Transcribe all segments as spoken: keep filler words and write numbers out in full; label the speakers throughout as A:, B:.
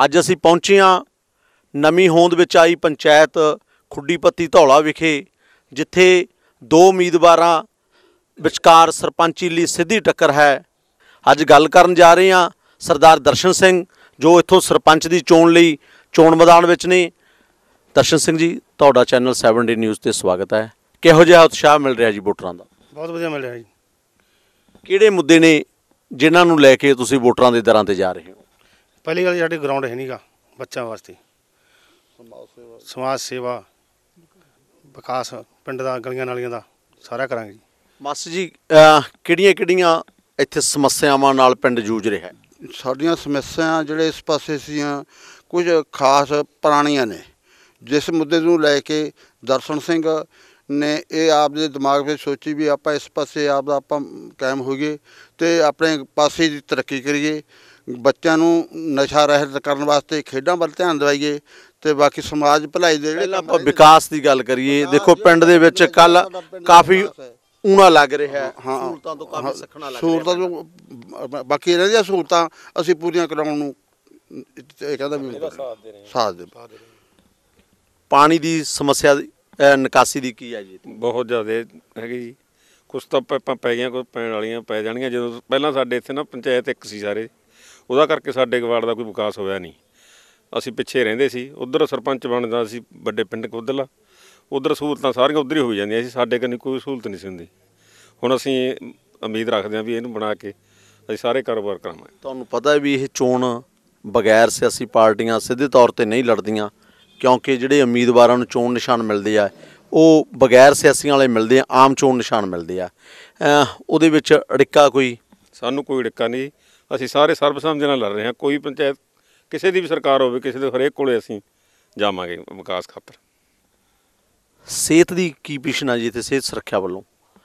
A: ਅੱਜ ਅਸੀਂ पहुंचे हाँ नवीं होंद विच आई पंचायत खुड्डी पत्ती धौला विखे, जिथे दो उम्मीदवारां विचकार सरपंची लई सीधी टक्कर है। अज गल करन जा रहे हैं सरदार दर्शन सिंह जो इत्थों सरपंच की चोण लई चोण मैदान विच ने। दर्शन सिंह जी, तुहाडा चैनल सैवन डे न्यूज़ ते स्वागत है। किहो जिहा उत्साह मिल रहा जी वोटरां दा?
B: बहुत वधिया मिल रहा जी।
A: किहड़े मुद्दे ने जिन्हां नूं लैके तुसीं वोटरां दे दरां ते जा रहे हो?
B: पहली गल साडे ग्राउंड है नहीं गा बच्चों वास्ते, समाज सेवा विकास पिंड दा गलियां नालियां दा सारा करांगे जी।
A: मास्टर जी, किहड़ियां किहड़ियां इत्थे समस्यावां नाल पिंड जूझ रहा है?
C: साडियां समस्यावां जिहड़े इस पासे सीआं कुछ खास पुराणियां ने, जिस मुद्दे नूं लैके दर्शन सिंह ने ये आपदे दिमाग में सोची भी आप इस पासे आप आप कायम होईए तो अपने पासे की तरक्की करिए, बच्चों नूं नशा रहत करने वास्ते खेडां वल ध्यान दवाइए तो बाकी समाज भलाई दे
A: जिहड़े विकास की गल करिए। देखो पिंड दे विच कल काफ़ी ऊना लग रहा है।
C: हाँ,
A: सहूलतां तो काफ़ी सखना लग
C: सहूलतां तो बाकी इन्हां दियां सहूलतां असीं पूरीआं कराउण नूं इह कहदा भी साथ दे।
A: पानी की समस्या निकासी की की है जी?
D: बहुत ज़्यादा है जी। कुछ तो पाइपां पै गईयां, कुछ पैण वालियां पै जाणगीआं। जदों पहलां साडे इत्थे ना पंचायत एक सी सारे, ਉਹਦਾ ਕਰਕੇ ਸਾਡੇ ਗਵਾੜ ਦਾ ਕੋਈ ਵਿਕਾਸ ਹੋਇਆ ਨਹੀਂ। ਅਸੀਂ ਪਿੱਛੇ ਰਹਿੰਦੇ ਸੀ, ਉਧਰ ਸਰਪੰਚ ਬਣਦਾ ਸੀ ਵੱਡੇ ਪਿੰਡ ਕੋਦਲਾ, ਉਧਰ ਸਹੂਲਤਾਂ ਸਾਰੀਆਂ ਉਧਰ ਹੀ ਹੋਈ ਜਾਂਦੀਆਂ ਸੀ, ਸਾਡੇ ਕੋਲ ਕੋਈ ਸਹੂਲਤ ਨਹੀਂ ਸੀ ਹੁੰਦੀ। ਹੁਣ ਅਸੀਂ ਉਮੀਦ ਰੱਖਦੇ ਹਾਂ ਵੀ ਇਹਨੂੰ ਬਣਾ ਕੇ ਅਸੀਂ ਸਾਰੇ ਕਾਰੋਬਾਰ ਕਰਾਵਾਂਗੇ।
A: ਤੁਹਾਨੂੰ ਪਤਾ ਵੀ ਇਹ ਚੋਣ ਬਗੈਰ ਸਿਆਸੀ ਪਾਰਟੀਆਂ ਸਿੱਧੇ ਤੌਰ ਤੇ ਨਹੀਂ ਲੜਦੀਆਂ, ਕਿਉਂਕਿ ਜਿਹੜੇ ਉਮੀਦਵਾਰਾਂ ਨੂੰ ਚੋਣ ਨਿਸ਼ਾਨ ਮਿਲਦੇ ਆ ਉਹ ਬਗੈਰ ਸਿਆਸੀਆਂ ਵਾਲੇ ਮਿਲਦੇ ਆ, ਆਮ ਚੋਣ ਨਿਸ਼ਾਨ ਮਿਲਦੇ ਆ। ਉਹਦੇ ਵਿੱਚ ਅੜਿੱਕਾ ਕੋਈ?
D: ਸਾਨੂੰ ਕੋਈ ਅੜਿੱਕਾ ਨਹੀਂ। ਅਸੀਂ ਸਾਰੇ ਸਰਬਸੰਮਤੀ ਨਾਲ ਲੜ ਰਹੇ ਹਾਂ। ਕੋਈ ਪੰਚਾਇਤ ਕਿਸੇ ਦੀ ਵੀ ਸਰਕਾਰ ਹੋਵੇ, ਕਿਸੇ ਦੇ ਹਰੇਕ ਕੋਲੇ ਅਸੀਂ ਜਾਵਾਂਗੇ ਵਿਕਾਸ ਖਾਤਰ।
A: ਸਿਹਤ ਦੀ ਕੀ ਪਿਛਨ ਆ ਜੀ ਇੱਥੇ? ਸਿਹਤ ਸੁਰੱਖਿਆ ਵੱਲੋਂ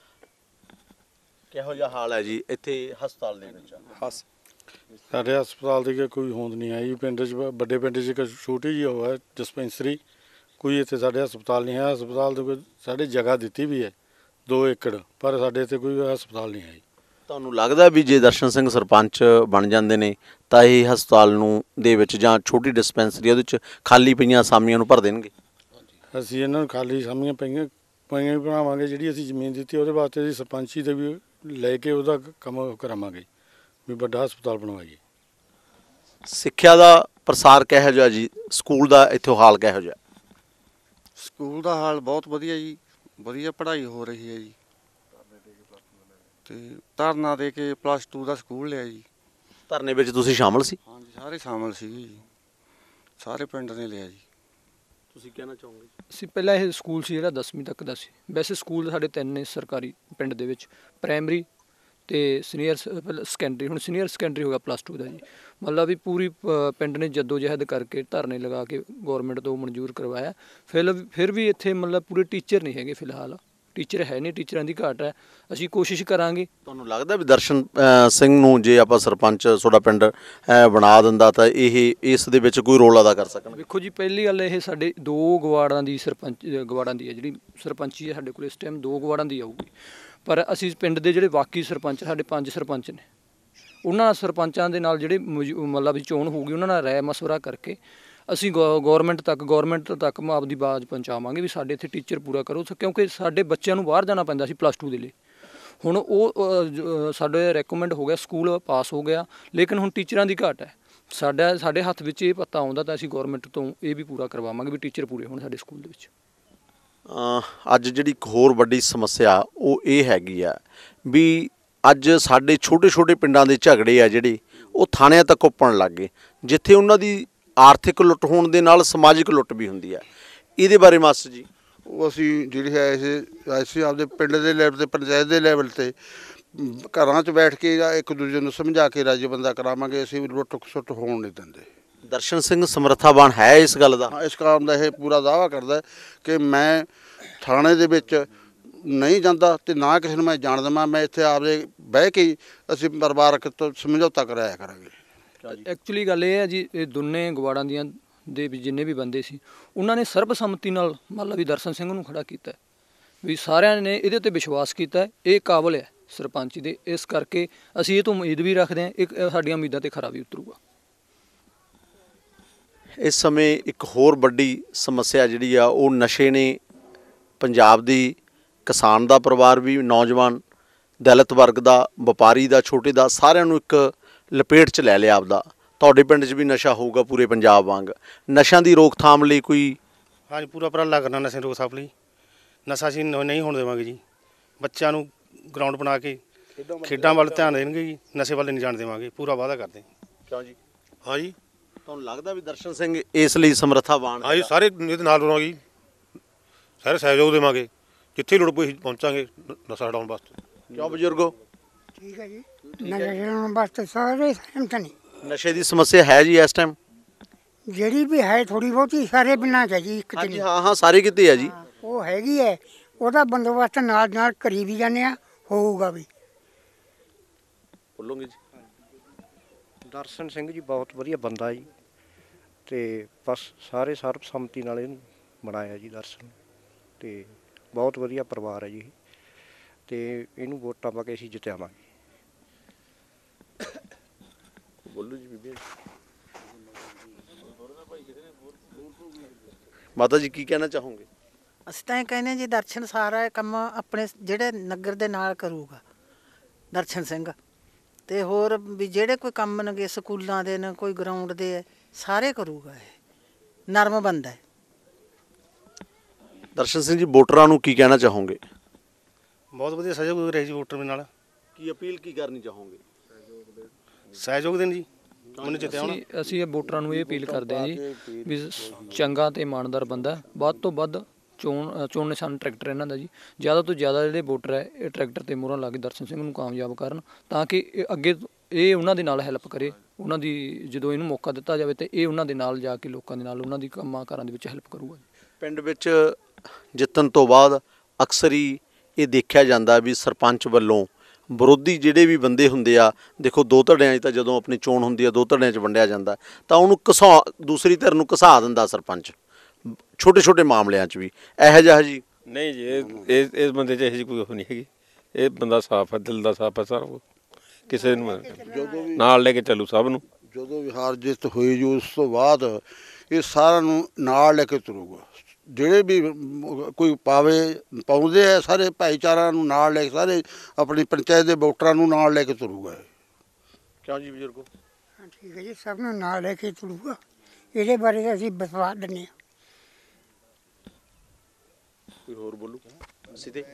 A: ਕਿਹੋ ਜਿਹਾ ਹਾਲ ਹੈ ਜੀ ਇੱਥੇ ਹਸਪਤਾਲ ਦੇ ਵਿੱਚ?
B: ਹਸ ਸਾਡੇ ਹਸਪਤਾਲ ਦੀ ਕੋਈ ਹੋਂਦ ਨਹੀਂ ਆਈ ਪਿੰਡ 'ਚ। ਵੱਡੇ ਪਿੰਡ 'ਚ ਇੱਕ ਛੋਟੀ ਜਿਹੀ ਉਹ ਹੈ ਡਿਸਪੈਂਸਰੀ, ਕੋਈ ਇੱਥੇ ਸਾਡੇ ਹਸਪਤਾਲ ਨਹੀਂ ਹੈ। ਹਸਪਤਾਲ ਦੀ ਕੋਈ ਸਾਡੇ ਜਗ੍ਹਾ ਦਿੱਤੀ ਵੀ ਹੈ ਦੋ ਏਕੜ, ਪਰ ਸਾਡੇ ਇੱਥੇ ਕੋਈ ਹਸਪਤਾਲ ਨਹੀਂ ਹੈ।
A: ਤੁਹਾਨੂੰ ਲੱਗਦਾ ਵੀ ਜੇ ਦਰਸ਼ਨ ਸਿੰਘ ਸਰਪੰਚ ਬਣ ਜਾਂਦੇ ਨੇ ਤਾਂ ਇਹ ਹਸਪਤਾਲ ਨੂੰ ਦੇ ਵਿੱਚ ਜਾਂ ਛੋਟੀ ਡਿਸਪੈਂਸਰੀ ਉਹਦੇ ਵਿੱਚ ਖਾਲੀ ਪਈਆਂ ਅਸਾਮੀਆਂ ਨੂੰ ਭਰ ਦੇਣਗੇ?
B: ਅਸੀਂ ਇਹਨਾਂ ਨੂੰ ਖਾਲੀ ਅਸਾਮੀਆਂ ਪਈਆਂ ਪਈਆਂ ਵੀ ਬਣਾਵਾਂਗੇ। ਜਿਹੜੀ ਅਸੀਂ ਜ਼ਮੀਨ ਦਿੱਤੀ ਉਹਦੇ ਵਾਸਤੇ ਅਸੀਂ ਸਰਪੰਚੀ ਦੇ ਵੀ ਲੈ ਕੇ ਉਹਦਾ ਕੰਮ ਕਰਾਵਾਂਗੇ ਵੀ ਵੱਡਾ ਹਸਪਤਾਲ ਬਣਵਾਈਏ।
A: ਸਿੱਖਿਆ ਦਾ ਪ੍ਰਸਾਰ ਕਿਹੋ ਜਿਹਾ ਜੀ? ਸਕੂਲ ਦਾ ਇੱਥੋਂ ਹਾਲ ਕਿਹੋ ਜਿਹਾ?
C: ਸਕੂਲ ਦਾ ਹਾਲ ਬਹੁਤ ਵਧੀਆ ਜੀ, ਵਧੀਆ ਪੜ੍ਹਾਈ ਹੋ ਰਹੀ ਹੈ ਜੀ। ਤੇ ਧਰਨਾ ਦੇ ਕੇ ਪਲੱਸ ਟੂ ਦਾ ਸਕੂਲ ਲਿਆ ਜੀ।
A: ਧਰਨੇ ਵਿੱਚ ਤੁਸੀਂ ਸ਼ਾਮਲ ਸੀ?
C: ਹਾਂਜੀ, ਸਾਰੇ ਸ਼ਾਮਲ ਸੀਗੇ ਜੀ, ਸਾਰੇ ਪਿੰਡ ਨੇ ਲਿਆ ਜੀ।
A: ਤੁਸੀਂ ਕਹਿਣਾ ਚਾਹੋਗੇ?
E: ਅਸੀਂ ਪਹਿਲਾਂ ਇਹ ਸਕੂਲ ਸੀ ਜਿਹੜਾ ਦਸਵੀਂ ਤੱਕ ਦਾ ਸੀ। ਵੈਸੇ ਸਕੂਲ ਸਾਡੇ ਤਿੰਨ ਨੇ ਸਰਕਾਰੀ ਪਿੰਡ ਦੇ ਵਿੱਚ, ਪ੍ਰਾਇਮਰੀ ਅਤੇ ਸੀਨੀਅਰ ਸੈਕੰਡਰੀ। ਹੁਣ ਸੀਨੀਅਰ ਸੈਕੰਡਰੀ ਹੋ ਗਿਆ ਪਲੱਸ ਟੂ ਦਾ ਜੀ। ਮਤਲਬ ਵੀ ਪੂਰੀ ਪਿੰਡ ਨੇ ਜੱਦੋ ਜਹਿਦ ਕਰਕੇ ਧਰਨੇ ਲਗਾ ਕੇ ਗੌਰਮੈਂਟ ਤੋਂ ਮਨਜ਼ੂਰ ਕਰਵਾਇਆ। ਫਿਰ ਫਿਰ ਵੀ ਇੱਥੇ ਮਤਲਬ ਪੂਰੇ ਟੀਚਰ ਨਹੀਂ ਹੈਗੇ ਫਿਲਹਾਲ, ਟੀਚਰ ਹੈ ਨਹੀਂ, ਟੀਚਰਾਂ ਦੀ ਘਾਟ ਹੈ। ਅਸੀਂ ਕੋਸ਼ਿਸ਼ ਕਰਾਂਗੇ।
A: ਤੁਹਾਨੂੰ ਲੱਗਦਾ ਵੀ ਦਰਸ਼ਨ ਸਿੰਘ ਨੂੰ ਜੇ ਆਪਾਂ ਸਰਪੰਚ ਤੁਹਾਡਾ ਪਿੰਡ ਬਣਾ ਦਿੰਦਾ ਤਾਂ ਇਹ ਇਸ ਦੇ ਵਿੱਚ ਕੋਈ ਰੋਲ ਅਦਾ ਕਰ ਸਕਣ?
E: ਵੇਖੋ ਜੀ, ਪਹਿਲੀ ਗੱਲ ਇਹ ਸਾਡੇ ਦੋ ਗਵਾੜਾਂ ਦੀ ਸਰਪੰਚ ਗਵਾੜਾਂ ਦੀ ਹੈ ਜਿਹੜੀ ਸਰਪੰਚੀ ਹੈ ਸਾਡੇ ਕੋਲ ਇਸ ਟਾਈਮ ਦੋ ਗਵਾੜਾਂ ਦੀ ਆਊਗੀ। ਪਰ ਅਸੀਂ ਪਿੰਡ ਦੇ ਜਿਹੜੇ ਬਾਕੀ ਸਰਪੰਚ ਸਾਡੇ ਪੰਜ ਸਰਪੰਚ ਨੇ, ਉਹਨਾਂ ਸਰਪੰਚਾਂ ਦੇ ਨਾਲ ਜਿਹੜੇ ਮਤਲਬ ਵੀ ਚੋਣ ਹੋਊਗੀ ਉਹਨਾਂ ਨਾਲ ਰਾਏ ਮਸ਼ਵਰਾ ਕਰਕੇ ਅਸੀਂ ਗੌ ਗੌਰਮੈਂਟ ਤੱਕ ਗੌਰਮੈਂਟ ਤੱਕ ਆਪਦੀ ਆਵਾਜ਼ ਪਹੁੰਚਾਵਾਂਗੇ ਵੀ ਸਾਡੇ ਇੱਥੇ ਟੀਚਰ ਪੂਰਾ ਕਰੋ, ਕਿਉਂਕਿ ਸਾਡੇ ਬੱਚਿਆਂ ਨੂੰ ਬਾਹਰ ਜਾਣਾ ਪੈਂਦਾ ਸੀ ਪਲੱਸ ਟੂ ਦੇ ਲਈ। ਹੁਣ ਉਹ ਸਾਡੇ ਰੈਕਮੈਂਡ ਹੋ ਗਿਆ, ਸਕੂਲ ਪਾਸ ਹੋ ਗਿਆ, ਲੇਕਿਨ ਹੁਣ ਟੀਚਰਾਂ ਦੀ ਘਾਟ ਹੈ। ਸਾਡਾ ਸਾਡੇ ਹੱਥ ਵਿੱਚ ਇਹ ਪਤਾ ਆਉਂਦਾ ਤਾਂ ਅਸੀਂ ਗੌਰਮੈਂਟ ਤੋਂ ਇਹ ਵੀ ਪੂਰਾ ਕਰਵਾਵਾਂਗੇ ਵੀ ਟੀਚਰ ਪੂਰੇ ਹੋਣ ਸਾਡੇ ਸਕੂਲ ਦੇ ਵਿੱਚ।
A: ਅੱਜ ਜਿਹੜੀ ਇੱਕ ਹੋਰ ਵੱਡੀ ਸਮੱਸਿਆ ਉਹ ਇਹ ਹੈਗੀ ਆ ਵੀ ਅੱਜ ਸਾਡੇ ਛੋਟੇ ਛੋਟੇ ਪਿੰਡਾਂ ਦੇ ਝਗੜੇ ਆ ਜਿਹੜੇ ਉਹ ਥਾਣਿਆਂ ਤੱਕ ਉੱਪਣ ਲੱਗ ਗਏ, ਜਿੱਥੇ ਉਹਨਾਂ ਦੀ ਆਰਥਿਕ ਲੁੱਟ ਹੋਣ ਦੇ ਨਾਲ ਸਮਾਜਿਕ ਲੁੱਟ ਵੀ ਹੁੰਦੀ ਹੈ। ਇਹਦੇ ਬਾਰੇ ਮਾਸਟਰ ਜੀ?
C: ਉਹ ਅਸੀਂ ਜਿਹੜੀ ਹੈ ਇਹ ਅਸੀਂ ਆਪਦੇ ਪਿੰਡ ਦੇ ਲੈਵਲ 'ਤੇ, ਪੰਚਾਇਤ ਦੇ ਲੈਵਲ 'ਤੇ ਘਰਾਂ 'ਚ ਬੈਠ ਕੇ ਇੱਕ ਦੂਜੇ ਨੂੰ ਸਮਝਾ ਕੇ ਰਾਜੀ ਬੰਦਾ ਕਰਾਵਾਂਗੇ। ਅਸੀਂ ਵੀ ਲੁੱਟ ਖਸੁੱਟ ਹੋਣ ਨਹੀਂ ਦਿੰਦੇ। ਦਰਸ਼ਨ ਸਿੰਘ ਸਮਰੱਥਾਵਾਨ ਹੈ ਇਸ ਗੱਲ ਦਾ? ਇਸ ਕੰਮ ਦਾ ਇਹ ਪੂਰਾ ਦਾਅਵਾ ਕਰਦਾ ਕਿ ਮੈਂ ਥਾਣੇ ਦੇ ਵਿੱਚ ਨਹੀਂ ਜਾਂਦਾ ਤੇ ਨਾ ਕਿਸੇ ਨੂੰ ਮੈਂ ਜਾਣ ਦੇਵਾਂ। ਮੈਂ ਇੱਥੇ ਆਪਦੇ ਬਹਿ ਕੇ ਅਸੀਂ ਪਰਿਵਾਰਕ ਤੋਂ ਸਮਝੌਤਾ ਕਰਾਇਆ ਕਰਾਂਗੇ।
E: ਐਕਚੁਅਲੀ ਗੱਲ ਇਹ ਹੈ ਜੀ, ਇਹ ਦੋਨੇ ਗਵਾੜਾਂ ਦੀਆਂ ਦੇ ਵੀ ਜਿੰਨੇ ਵੀ ਬੰਦੇ ਸੀ ਉਹਨਾਂ ਨੇ ਸਰਬਸੰਮਤੀ ਨਾਲ ਮਤਲਬ ਵੀ ਦਰਸ਼ਨ ਸਿੰਘ ਨੂੰ ਖੜਾ ਕੀਤਾ ਵੀ ਸਾਰਿਆਂ ਨੇ ਇਹਦੇ 'ਤੇ ਵਿਸ਼ਵਾਸ ਕੀਤਾ ਇਹ ਕਾਬਲ ਹੈ ਸਰਪੰਚ ਦੇ। ਇਸ ਕਰਕੇ ਅਸੀਂ ਇਹ ਤੋਂ ਉਮੀਦ ਵੀ ਰੱਖਦੇ ਹਾਂ, ਇਹ ਸਾਡੀਆਂ ਉਮੀਦਾਂ 'ਤੇ ਖਰਾ ਵੀ ਉਤਰੂਗਾ।
A: ਇਸ ਸਮੇਂ ਇੱਕ ਹੋਰ ਵੱਡੀ ਸਮੱਸਿਆ ਜਿਹੜੀ ਆ ਉਹ ਨਸ਼ੇ ਨੇ ਪੰਜਾਬ ਦੀ ਕਿਸਾਨ ਦਾ ਪਰਿਵਾਰ ਵੀ, ਨੌਜਵਾਨ ਦਲਿਤ ਵਰਗ ਦਾ, ਵਪਾਰੀ ਦਾ, ਛੋਟੇ ਦਾ, ਸਾਰਿਆਂ ਨੂੰ ਇੱਕ ਲਪੇਟ 'ਚ ਲੈ ਲਿਆ ਆਪਦਾ। ਤੁਹਾਡੇ ਪਿੰਡ 'ਚ ਵੀ ਨਸ਼ਾ ਹੋਊਗਾ ਪੂਰੇ ਪੰਜਾਬ ਵਾਂਗ, ਨਸ਼ਿਆਂ ਦੀ ਰੋਕਥਾਮ ਲਈ ਕੋਈ?
F: ਹਾਂਜੀ, ਪੂਰਾ ਉਪਰਾਲਾ ਕਰਨਾ ਨਸ਼ੇ ਦੀ ਰੋਕਥਾਮ ਲਈ। ਨਸ਼ਾ ਅਸੀਂ ਨਹੀਂ ਹੋਣ ਦੇਵਾਂਗੇ ਜੀ। ਬੱਚਿਆਂ ਨੂੰ ਗਰਾਊਂਡ ਬਣਾ ਕੇ ਖੇਡਾਂ ਵੱਲ ਧਿਆਨ ਦੇਣਗੇ ਜੀ, ਨਸ਼ੇ ਵੱਲ ਨਹੀਂ ਜਾਣ ਦੇਵਾਂਗੇ, ਪੂਰਾ ਵਾਅਦਾ ਕਰਦੇ।
A: ਕਿਉਂ ਜੀ?
F: ਹਾਂ ਜੀ,
A: ਤੁਹਾਨੂੰ ਲੱਗਦਾ ਵੀ ਦਰਸ਼ਨ ਸਿੰਘ ਇਸ ਲਈ ਸਮਰੱਥਾਵਾਨ?
F: ਹਾਂ ਜੀ, ਸਾਰੇ ਇਹਦੇ ਨਾਲ ਰਹਾਂਗੇ, ਸਾਰੇ ਸਹਿਯੋਗ ਦੇਵਾਂਗੇ, ਜਿੱਥੇ ਲੋੜ ਪਈ ਪਹੁੰਚਾਂਗੇ ਨਸ਼ਾ ਹਟਾਉਣ ਵਾਸਤੇ।
A: ਕਿਉਂ ਬਜ਼ੁਰਗੋ?
G: ਠੀਕ ਹੈ ਜੀ, ਨਸ਼ਾ ਛਡਾਉਣ ਵਾਸਤੇ ਸਾਰੇ ਸਹਿਮਤ ਨੇ।
A: ਨਸ਼ੇ ਦੀ ਸਮੱਸਿਆ ਹੈ ਜੀ ਇਸ ਟਾਈਮ?
G: ਜਿਹੜੀ ਵੀ ਹੈ ਥੋੜੀ ਬਹੁਤੀ ਸਾਰੇ ਪਿੰਡਾਂ 'ਚ ਹੈ ਜੀ, ਇੱਕ 'ਚ
A: ਹਾਂਜੀ,
G: ਨਹੀਂ।
A: ਹਾਂ ਹਾਂ, ਸਾਰੇ ਕਿਤੇ ਹੈ ਜੀ।
G: ਉਹ ਹੈਗੀ ਹੈ, ਉਹਦਾ ਬੰਦੋਬਸਤ ਨਾਲ ਨਾਲ ਕਰੀ ਵੀ ਜਾਂਦੇ ਆ, ਹੋਊਗਾ ਵੀ।
A: ਬੋਲੋਗੇ ਜੀ?
H: ਦਰਸ਼ਨ ਸਿੰਘ ਜੀ ਬਹੁਤ ਵਧੀਆ ਬੰਦਾ ਜੀ, ਤੇ ਬਸ ਸਾਰੇ ਸਰਬਸੰਮਤੀ ਨਾਲ ਇਹਨੂੰ ਬਣਾਇਆ ਜੀ ਦਰਸ਼ਨ, ਤੇ ਬਹੁਤ ਵਧੀਆ ਪਰਿਵਾਰ ਹੈ ਜੀ, ਤੇ ਇਹਨੂੰ ਵੋਟਾਂ ਪਾ ਕੇ ਅਸੀਂ ਜਿੱਤਿਆਵਾਂਗੇ।
A: ਬੋਲੋ ਜੀ ਬੀਬੀ। ਮਾਤਾ ਜੀ ਕੀ ਕਹਿਣਾ ਚਾਹੋਗੇ?
I: ਅਸੀਂ ਤਾਂ ਇਹ ਕਹਿੰਦੇ ਜੀ ਦਰਸ਼ਨ ਸਾਰਾ ਕੰਮ ਆਪਣੇ ਜਿਹੜੇ ਨਗਰ ਦੇ ਨਾਲ ਕਰੂਗਾ ਦਰਸ਼ਨ ਸਿੰਘ, ਤੇ ਹੋਰ ਵੀ ਜਿਹੜੇ ਕੋਈ ਕੰਮ ਨੇਗੇ ਸਕੂਲਾਂ ਦੇ ਨੇ, ਕੋਈ ਗਰਾਊਂਡ ਦੇ ਹੈ, ਸਾਰੇ ਕਰੂਗਾ। ਇਹ ਨਰਮ ਬੰਦਾ ਹੈ।
A: ਦਰਸ਼ਨ ਸਿੰਘ ਜੀ, ਵੋਟਰਾਂ ਨੂੰ ਕੀ ਕਹਿਣਾ ਚਾਹੋਗੇ?
F: ਬਹੁਤ ਵਧੀਆ ਸਹਿਯੋਗ ਰਹੇ ਜੀ ਵੋਟਰ ਨਾਲ।
A: ਕੀ ਅਪੀਲ ਕੀ ਕਰਨੀ ਚਾਹੋਗੇ?
F: ਸਹਿਯੋਗ ਦੇਣ ਜੀ, ਮੈਨੂੰ ਜਿੱਤਿਆ ਹੋਣਾ।
E: ਅਸੀਂ ਅਸੀਂ ਇਹ ਵੋਟਰਾਂ ਨੂੰ ਇਹ ਅਪੀਲ ਕਰਦੇ ਹਾਂ ਜੀ ਵੀ ਚੰਗਾ ਤੇ ਇਮਾਨਦਾਰ ਬੰਦਾ, ਵੱਧ ਤੋਂ ਵੱਧ ਚੋਣ ਚੋਣ ਨਿਸ਼ਾਨ ਟਰੈਕਟਰ ਇਹਨਾਂ ਦਾ ਜੀ। ਜ਼ਿਆਦਾ ਤੋਂ ਜ਼ਿਆਦਾ ਜਿਹੜੇ ਵੋਟਰ ਹੈ ਇਹ ਟਰੈਕਟਰ ਤੇ ਮੋਹਰਾਂ ਲਾ ਕੇ ਦਰਸ਼ਨ ਸਿੰਘ ਨੂੰ ਕਾਮਯਾਬ ਕਰਨ, ਤਾਂ ਕਿ ਇਹ ਅੱਗੇ ਇਹ ਉਹਨਾਂ ਦੇ ਨਾਲ ਹੈਲਪ ਕਰੇ। ਉਹਨਾਂ ਦੀ ਜਦੋਂ ਇਹਨੂੰ ਮੌਕਾ ਦਿੱਤਾ ਜਾਵੇ ਤੇ ਇਹ ਉਹਨਾਂ ਦੇ ਨਾਲ ਜਾ ਕੇ ਲੋਕਾਂ ਦੇ ਨਾਲ ਉਹਨਾਂ ਦੀ ਕੰਮਾਂ ਕਾਰਾਂ ਦੇ ਵਿੱਚ ਹੈਲਪ ਕਰੂਗਾ।
A: ਪਿੰਡ ਵਿੱਚ ਜਿੱਤਣ ਤੋਂ ਬਾਅਦ ਅਕਸਰ ਹੀ ਇਹ ਦੇਖਿਆ ਜਾਂਦਾ ਵੀ ਸਰਪੰਚ ਵੱਲੋਂ ਵਿਰੋਧੀ ਜਿਹੜੇ ਵੀ ਬੰਦੇ ਹੁੰਦੇ ਆ, ਦੇਖੋ ਦੋ ਧੜਿਆਂ 'ਚ ਤਾਂ ਜਦੋਂ ਆਪਣੀ ਚੋਣ ਹੁੰਦੀ ਆ ਦੋ ਧੜਿਆਂ 'ਚ ਵੰਡਿਆ ਜਾਂਦਾ, ਤਾਂ ਉਹਨੂੰ ਘਸਾ ਦੂਸਰੀ ਧਿਰ ਨੂੰ ਘਸਾ ਦਿੰਦਾ ਸਰਪੰਚ, ਛੋਟੇ ਛੋਟੇ ਮਾਮਲਿਆਂ 'ਚ ਵੀ ਇਹੋ ਜਿਹਾ ਜੀ।
D: ਨਹੀਂ ਜੀ, ਇਹ ਇਸ ਬੰਦੇ 'ਚ ਇਹੋ ਜਿਹੀ ਕੋਈ ਉਹ ਨਹੀਂ ਹੈਗੀ। ਇਹ ਬੰਦਾ ਸਾਫ਼ ਹੈ, ਦਿਲ ਦਾ ਸਾਫ਼ ਹੈ ਸਾਰਾ, ਕਿਸੇ ਨੂੰ ਨਾਲ ਲੈ ਕੇ ਚੱਲੂ ਸਭ ਨੂੰ।
C: ਜਦੋਂ ਵੀ ਹਾਰ ਜਿੱਤ ਹੋਈ ਜੀ ਉਸ ਤੋਂ ਬਾਅਦ ਇਹ ਸਾਰਿਆਂ ਨੂੰ ਨਾਲ ਲੈ ਕੇ ਤੁਰੂਗਾ। ਜਿਹੜੇ ਵੀ ਕੋਈ ਪਾਵੇ ਪਾਉਂਦੇ ਆ ਸਾਰੇ ਭਾਈਚਾਰਾ ਨੂੰ ਨਾਲ ਲੈ ਕੇ, ਸਾਰੇ ਆਪਣੀ ਪੰਚਾਇਤ ਦੇ ਵੋਟਰਾਂ ਨੂੰ ਨਾਲ ਲੈ ਕੇ ਤੁਰੂਗਾ।
A: ਕਿਉਂ ਜੀ ਬਜ਼ੁਰਗੋ?
G: ਹਾਂ ਠੀਕ ਹੈ ਜੀ, ਸਭ ਨੂੰ ਨਾਲ ਲੈ ਕੇ ਤੁਰੂਗਾ। ਇਹਦੇ ਬਾਰੇ ਤਾਂ ਅਸੀਂ ਵਿਸ਼ਵਾਸ ਦਿੰਦੇ ਹਾਂ।
A: ਕੋਈ ਹੋਰ ਬੋਲੂ? ਅਸੀਂ ਤੇ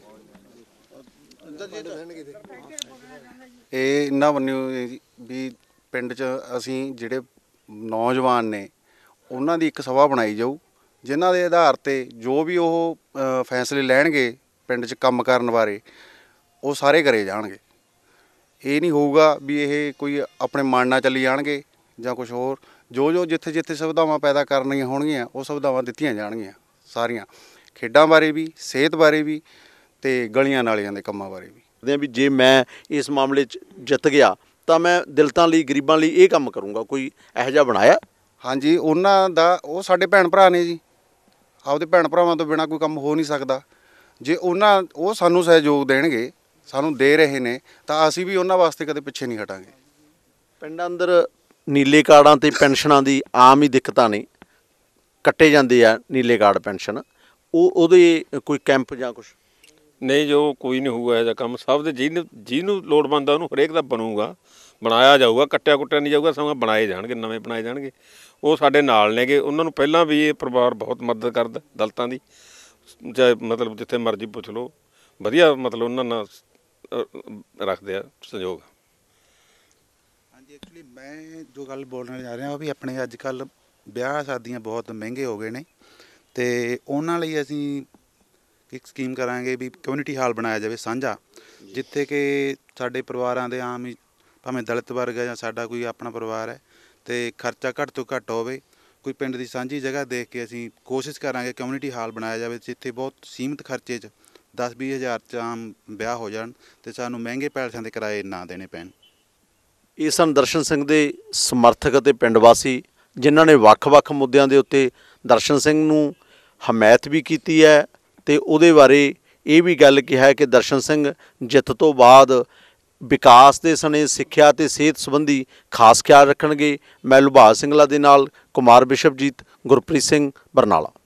J: ਇਹ ਇਹਨਾਂ ਬੰਨਿਓ ਵੀ ਪਿੰਡ 'ਚ ਅਸੀਂ ਜਿਹੜੇ ਨੌਜਵਾਨ ਨੇ ਉਹਨਾਂ ਦੀ ਇੱਕ ਸਭਾ ਬਣਾਈ ਜਾਊ, ਜਿਨ੍ਹਾਂ ਦੇ ਆਧਾਰ 'ਤੇ ਜੋ ਵੀ ਉਹ ਫੈਸਲੇ ਲੈਣਗੇ ਪਿੰਡ 'ਚ ਕੰਮ ਕਰਨ ਬਾਰੇ, ਉਹ ਸਾਰੇ ਕਰੇ ਜਾਣਗੇ। ਇਹ ਨਹੀਂ ਹੋਊਗਾ ਵੀ ਇਹ ਕੋਈ ਆਪਣੇ ਮਨ ਨਾਲ ਚੱਲੀ ਜਾਣਗੇ ਜਾਂ ਕੁਝ ਹੋਰ। ਜੋ ਜੋ ਜਿੱਥੇ ਜਿੱਥੇ ਸੁਵਿਧਾਵਾਂ ਪੈਦਾ ਕਰਨੀਆਂ ਹੋਣਗੀਆਂ ਉਹ ਸੁਵਿਧਾਵਾਂ ਦਿੱਤੀਆਂ ਜਾਣਗੀਆਂ, ਸਾਰੀਆਂ ਖੇਡਾਂ ਬਾਰੇ ਵੀ, ਸਿਹਤ ਬਾਰੇ ਵੀ, ਤੇ ਗਲੀਆਂ ਨਾਲੀਆਂ ਦੇ ਕੰਮਾਂ ਬਾਰੇ ਵੀ।
A: ਵੀ ਜੇ ਮੈਂ ਇਸ ਮਾਮਲੇ 'ਚ ਜਿੱਤ ਗਿਆ ਤਾਂ ਮੈਂ ਦਲਿਤਾਂ ਲਈ, ਗਰੀਬਾਂ ਲਈ ਇਹ ਕੰਮ ਕਰੂੰਗਾ, ਕੋਈ ਇਹੋ ਜਿਹਾ ਬਣਾਇਆ?
J: ਹਾਂਜੀ, ਉਹਨਾਂ ਦਾ ਉਹ ਸਾਡੇ ਭੈਣ ਭਰਾ ਨੇ ਜੀ, ਆਪਦੇ ਭੈਣ ਭਰਾਵਾਂ ਤੋਂ ਬਿਨਾਂ ਕੋਈ ਕੰਮ ਹੋ ਨਹੀਂ ਸਕਦਾ। ਜੇ ਉਹਨਾਂ ਉਹ ਸਾਨੂੰ ਸਹਿਯੋਗ ਦੇਣਗੇ, ਸਾਨੂੰ ਦੇ ਰਹੇ ਨੇ, ਤਾਂ ਅਸੀਂ ਵੀ ਉਹਨਾਂ ਵਾਸਤੇ ਕਦੇ ਪਿੱਛੇ ਨਹੀਂ ਹਟਾਂਗੇ।
A: ਪਿੰਡਾਂ ਅੰਦਰ ਨੀਲੇ ਕਾਰਡਾਂ ਤੇ ਪੈਨਸ਼ਨਾਂ ਦੀ ਆਮ ਹੀ ਦਿੱਕਤਾਂ ਨੇ, ਕੱਟੇ ਜਾਂਦੇ ਆ ਨੀਲੇ ਕਾਰਡ ਪੈਨਸ਼ਨ, ਉਹ ਉਹਦੇ ਕੋਈ ਕੈਂਪ ਜਾਂ ਕੁਛ?
D: ਨਹੀਂ, ਜੋ ਕੋਈ ਨਹੀਂ ਹੋਊਗਾ ਇਹੋ ਜਿਹਾ ਕੰਮ। ਸਭ ਦੇ ਜਿਹਨੂੰ ਜਿਹਨੂੰ ਲੋੜਵੰਦ ਆ ਉਹਨੂੰ ਹਰੇਕ ਦਾ ਬਣੂਗਾ, ਬਣਾਇਆ ਜਾਊਗਾ, ਕੱਟਿਆ ਕੁੱਟਿਆ ਨਹੀਂ ਜਾਊਗਾ, ਸਗੋਂ ਬਣਾਏ ਜਾਣਗੇ, ਨਵੇਂ ਬਣਾਏ ਜਾਣਗੇ। ਉਹ ਸਾਡੇ ਨਾਲ ਨੇਗੇ, ਉਹਨਾਂ ਨੂੰ ਪਹਿਲਾਂ ਵੀ ਇਹ ਪਰਿਵਾਰ ਬਹੁਤ ਮਦਦ ਕਰਦਾ ਦਲਿਤਾਂ ਦੀ, ਚਾਹੇ ਮਤਲਬ ਜਿੱਥੇ ਮਰਜ਼ੀ ਪੁੱਛ ਲਓ, ਵਧੀਆ ਮਤਲਬ ਉਹਨਾਂ ਨਾਲ ਰੱਖਦੇ ਆ ਸਹਿਯੋਗ।
K: ਹਾਂਜੀ, ਐਕਚੁਅਲੀ ਮੈਂ ਜੋ ਗੱਲ ਬੋਲਣ ਜਾ ਰਿਹਾ ਉਹ ਵੀ ਆਪਣੇ ਅੱਜ ਕੱਲ੍ਹ ਵਿਆਹ ਸ਼ਾਦੀਆਂ ਬਹੁਤ ਮਹਿੰਗੇ ਹੋ ਗਏ ਨੇ, ਅਤੇ ਉਹਨਾਂ ਲਈ ਅਸੀਂ ਇੱਕ ਸਕੀਮ ਕਰਾਂਗੇ ਵੀ ਕਮਿਊਨਿਟੀ ਹਾਲ ਬਣਾਇਆ ਜਾਵੇ ਸਾਂਝਾ, ਜਿੱਥੇ ਕਿ ਸਾਡੇ ਪਰਿਵਾਰਾਂ ਦੇ ਆਮ ਹੀ ਭਾਵੇਂ ਦਲਿਤ ਵਰਗ ਹੈ ਜਾਂ ਸਾਡਾ ਕੋਈ ਆਪਣਾ ਪਰਿਵਾਰ ਹੈ, ਅਤੇ ਖਰਚਾ ਘੱਟ ਤੋਂ ਘੱਟ ਹੋਵੇ। ਕੋਈ ਪਿੰਡ ਦੀ ਸਾਂਝੀ ਜਗ੍ਹਾ ਦੇਖ ਕੇ ਅਸੀਂ ਕੋਸ਼ਿਸ਼ ਕਰਾਂਗੇ ਕਮਿਊਨਿਟੀ ਹਾਲ ਬਣਾਇਆ ਜਾਵੇ, ਜਿੱਥੇ ਬਹੁਤ ਸੀਮਿਤ ਖਰਚੇ 'ਚ ਦਸ ਵੀਹ ਹਜ਼ਾਰ 'ਚ ਆਮ ਵਿਆਹ ਹੋ ਜਾਣ ਅਤੇ ਸਾਨੂੰ ਮਹਿੰਗੇ ਪੈਲਸਾਂ ਦੇ ਕਿਰਾਏ ਨਾ ਦੇਣੇ ਪੈਣ।
A: ਇਹ ਸਨ ਦਰਸ਼ਨ ਸਿੰਘ ਦੇ ਸਮਰਥਕ ਅਤੇ ਪਿੰਡ ਵਾਸੀ, ਜਿਨ੍ਹਾਂ ਨੇ ਵੱਖ-ਵੱਖ ਮੁੱਦਿਆਂ ਦੇ ਉੱਤੇ ਦਰਸ਼ਨ ਸਿੰਘ ਨੂੰ ਹਮਾਇਤ ਵੀ ਕੀਤੀ ਹੈ ਅਤੇ ਉਹਦੇ ਬਾਰੇ ਇਹ ਵੀ ਗੱਲ ਕਿਹਾ ਕਿ ਦਰਸ਼ਨ ਸਿੰਘ ਜਿੱਤ ਤੋਂ ਬਾਅਦ ਵਿਕਾਸ ਦੇ ਸਣੇ ਸਿੱਖਿਆ ਤੇ ਸਿਹਤ ਸੰਬੰਧੀ ਖਾਸ ਖਿਆਲ ਰੱਖਣਗੇ। ਮੈਂ ਲੁਭਾਗ ਸਿੰਘਲਾ ਦੇ ਨਾਲ ਕੁਮਾਰ ਬਿਸ਼ਪਜੀਤ, ਗੁਰਪ੍ਰੀਤ ਸਿੰਘ, ਬਰਨਾਲਾ।